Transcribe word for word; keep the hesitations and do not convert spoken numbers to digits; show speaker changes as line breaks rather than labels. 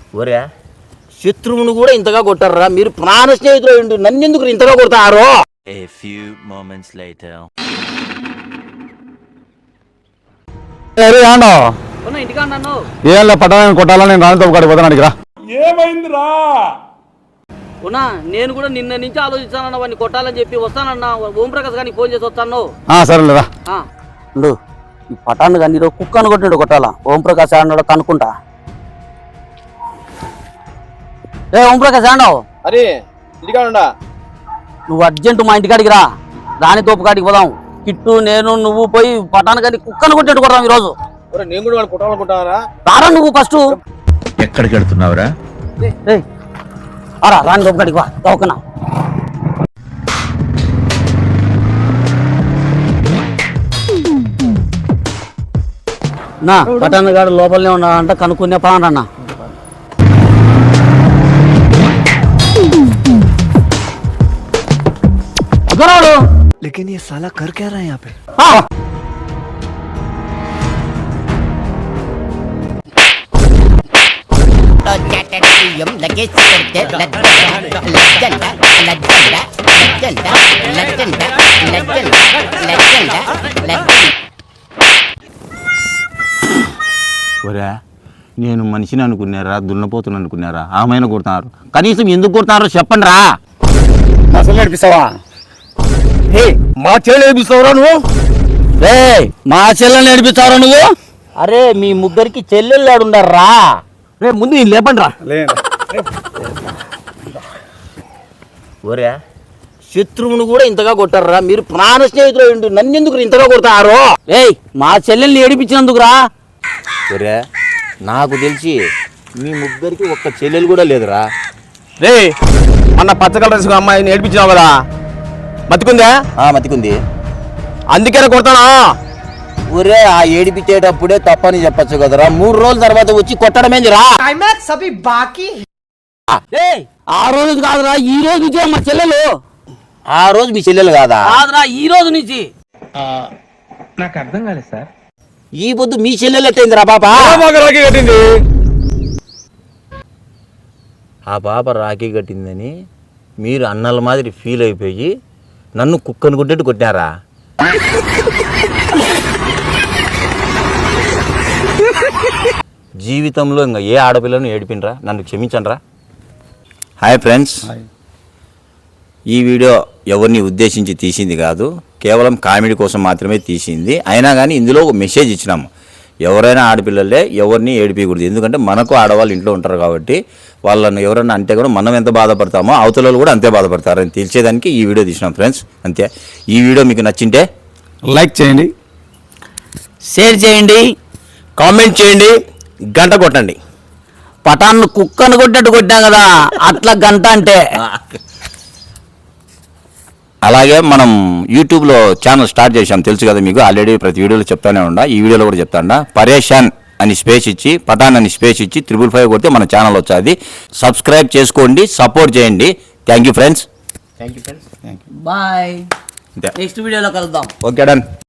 ఒరే శత్రువును కూడా ఇంతగా కొట్టారా మీరు? ప్రాణ స్నేహితులు నన్ను ఎందుకు ఇంతగా కొడతారు?
A few moments later.
ఏం పట్టాలని కొట్టాలని నేను రాణితో కాడికి పోతాను అడిగిరా.
ఏమైందిరా?
ఉన్నా నేను కూడా నిన్న నుంచి ఆలోచిస్తానన్న వాడిని కొట్టాలని చెప్పి వస్తానన్నా. ఓంప్రకాష్ గారికి ఫోన్ చేసి వస్తాను.
సరేలేరా.
ఈ పటాను కానీ కుక్కను కొట్టినాడు కొట్టాలా. ఓంప్రకాశ్ ఆడినాడు కనుక్కుంటా. ఏ ఓంప్రకాశ్ ఆడావు?
అరే ఇంటికాడ
నువ్వు అర్జెంట్ మా ఇంటికాడికి రా. రాణి తోపు కాడికి పోదాం. కిట్టు నేను నువ్వు పోయి పటాను కానీ కుక్కను కొట్టినట్టు కొడదాం ఈ రోజు.
నేను కూడా వాళ్ళు కొట్టాలనుకుంటారా?
రారా నువ్వు ఫస్ట్.
ఎక్కడికి వెళ్తున్నావురా?
అరా రాణి తోపు కాడికి వా తోకనా. నా పటాను గాడు లోపలనే ఉన్నాడంట కనుక్కునే పానన్నా.
लेकिन ये साला कर क्या रहा है यहाँ पे?
ఒరే నేను మనిషిని అనుకున్నారా దున్నపోతుని అనుకున్నారా? ఆమెను కొడుతున్నారు. కనీసం ఎందుకు కొడుతున్నారో చెప్పండి రా. అసలు నడిపిస్తావా? మా చెల్లెలు నడిపిస్తావురా నువ్వు?
మా చెల్లెలు నడిపిస్తావురా నువ్వు? అరే మీ ముగ్గురికి చెల్లెళ్ళు ఆడుండరా. రే ముందు నేను లేపండి రా. ఒరే శత్రువును కూడా ఇంతగా కొట్టారా మీరు? ప్రాణ స్నేహితులు నన్ను ఎందుకు ఇంతగా కొడతారు? ఏయ్ మా చెల్లెల్ని ఏడిపించినందుకురా.
ఒరే నాకు తెలిసి మీ ముగ్గురికి ఒక్క చెల్లెలు కూడా లేదురా.
రే మొన్న పచ్చకల డ్రెస్ అమ్మాయిని ఏడిపించినావు కదా, మతికుందా?
మతికుంది.
అందుకేనా కొడతానా?
ఒరే ఆ ఏడిపించేటప్పుడే తప్పని చెప్పచ్చు కదరా. మూడు రోజుల తర్వాత వచ్చి కొట్టడమేందిరా? ఆ రోజు కాదురా ఈ రోజు నుంచే మా చెల్లెలు.
ఆ రోజు మీ చెల్లెలు కాదా?
కాదురా ఈ రోజు నుంచి.
నాకు అర్థం కాలేదు సార్.
ఈ పొద్దు మీ చెల్లెలు ఎట్టయిందిరా పాపా?
కట్టింది.
ఆ పాప రాఖీ కట్టిందని మీరు అన్నల మాదిరి ఫీల్ అయిపోయి నన్ను కుక్కను కొట్టేట్టు కొట్టారా? జీవితంలో ఇంకా ఏ ఆడపిల్లను ఏడిపినరా? నన్ను క్షమించండి రా. హాయ్ ఫ్రెండ్స్, ఈ వీడియో ఎవరిని ఉద్దేశించి తీసింది కాదు, కేవలం కామెడీ కోసం మాత్రమే తీసింది. అయినా కానీ ఇందులో ఒక మెసేజ్ ఇచ్చినాము. ఎవరైనా ఆడపిల్లలే ఎవరిని ఏడిపించకూడదు. ఎందుకంటే మనకు ఆడవాళ్ళు ఇంట్లో ఉంటారు కాబట్టి వాళ్ళను ఎవరైనా అంటే కూడా మనం ఎంత బాధపడతామో అవతల కూడా అంతే బాధపడతారు అని తెలిసేదానికి ఈ వీడియో తీసినాం ఫ్రెండ్స్. అంతే. ఈ వీడియో మీకు నచ్చింటే
లైక్ చేయండి,
షేర్ చేయండి,
కామెంట్ చేయండి, గంట కొట్టండి.
పటాన్ని కుక్కను కొట్టేట్టు కొట్టాం కదా అట్లా గంట అంటే.
అలాగే మనం యూట్యూబ్లో ఛానల్ స్టార్ట్ చేసాం, తెలుసు కదా మీకు. ఆల్రెడీ ప్రతి వీడియోలో చెప్తానే ఉండా, ఈ వీడియోలో కూడా చెప్తాండా. పరేషాన్ అని స్పేస్ ఇచ్చి పఠాన్ అని స్పేస్ ఇచ్చి త్రిబుల్ ఫైవ్ కొడితే మన ఛానల్ వచ్చేది. సబ్స్క్రైబ్ చేసుకోండి, సపోర్ట్ చేయండి. Thank you friends.
Bye. Next వీడియోలో కలుద్దాం.
Okay done.